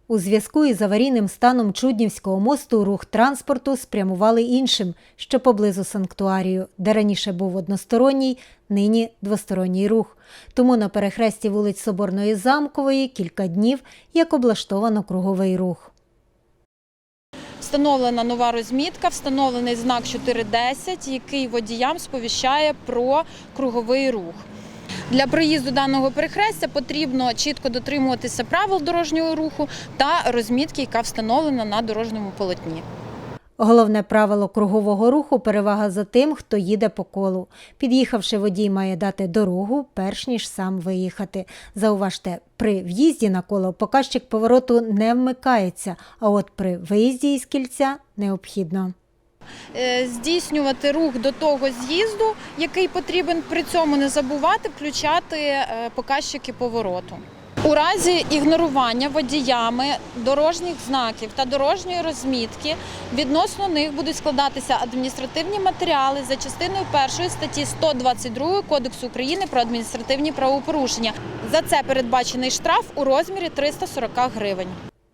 У зв'язку із аварійним станом Чуднівського мосту рух транспорту спрямували іншим, що поблизу санктуарію, де раніше був односторонній, нині двосторонній рух. Тому на перехресті вулиць Соборної і Замкової кілька днів як облаштовано круговий рух. Встановлена нова розмітка, встановлений знак 4.10, який водіям сповіщає про круговий рух. Для проїзду даного перехрестя потрібно чітко дотримуватися правил дорожнього руху та розмітки, яка встановлена на дорожньому полотні. Головне правило кругового руху – перевага за тим, хто їде по колу. Під'їхавши, водій має дати дорогу, перш ніж сам виїхати. Зауважте, при в'їзді на коло показчик повороту не вмикається, а от при виїзді із кільця – необхідно. Здійснювати рух до того з'їзду, який потрібен, при цьому не забувати включати показчики повороту. У разі ігнорування водіями дорожніх знаків та дорожньої розмітки відносно них будуть складатися адміністративні матеріали за частиною 1 статті 122 Кодексу України про адміністративні правопорушення. За це передбачений штраф у розмірі 340 гривень.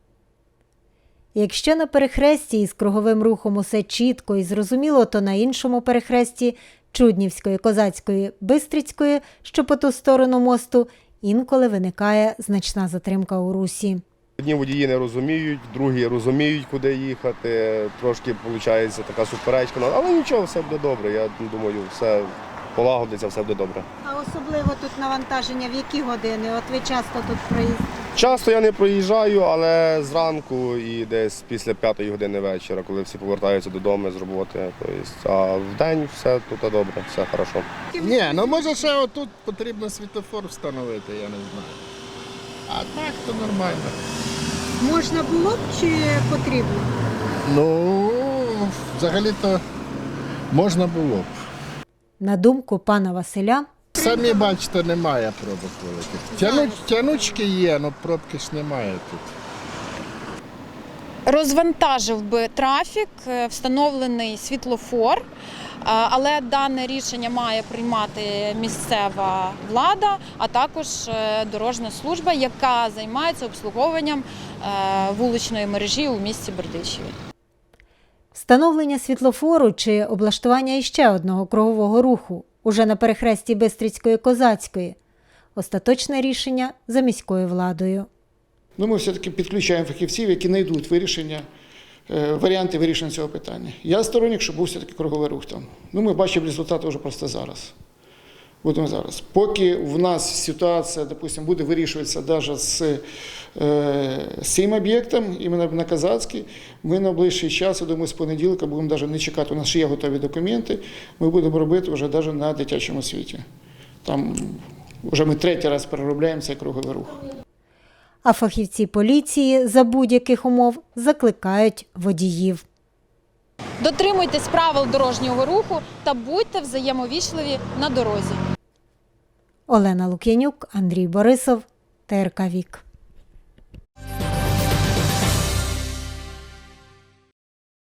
Якщо на перехресті із круговим рухом усе чітко і зрозуміло, то на іншому перехресті Чуднівської, Козацької, Бистрицької, що по ту сторону мосту, інколи виникає значна затримка у русі. Одні водії не розуміють, другі розуміють, куди їхати. Трошки виходить така суперечка, але нічого, все буде добре. Я думаю, все полагодиться, все буде добре. А особливо тут навантаження в які години? От ви часто тут проїздите? Часто я не проїжджаю, але зранку і десь після 5-ї години вечора, коли всі повертаються додому з роботи. А вдень все тут добре, все хорошо. Ні, ну може ще отут потрібно світлофор встановити, я не знаю. А так то нормально. Можна було б чи потрібно? Ну, взагалі-то можна було б. На думку пана Василя, Самі бачите, немає пробок великих. Тянучки є, але пробки ж немає тут. Розвантажив би трафік встановлений світлофор, але дане рішення має приймати місцева влада, а також дорожня служба, яка займається обслуговуванням вуличної мережі у місті Бердичеві. встановлення світлофору чи облаштування іще одного кругового руху уже на перехресті Бистрицької, Козацької – остаточне рішення за міською владою. Ми все-таки підключаємо фахівців, які знайдуть варіанти вирішення цього питання. Я сторонник, щоб був все-таки круговий рух там. Ми бачимо результати вже просто зараз. Будемо зараз. Поки в нас ситуація, допустим, буде вирішуватися навіть з цим об'єктом, іменно на Козацькій, ми на ближчий час, я думаю, з понеділка будемо навіть не чекати, у нас ще є готові документи, ми будемо робити вже навіть на дитячому світі. Там вже ми 3-й раз переробляємо цей круговий рух. А фахівці поліції за будь-яких умов закликають водіїв. Дотримуйтесь правил дорожнього руху та будьте взаємовічливі на дорозі. Олена Лук'янюк, Андрій Борисов, ТРК Вік.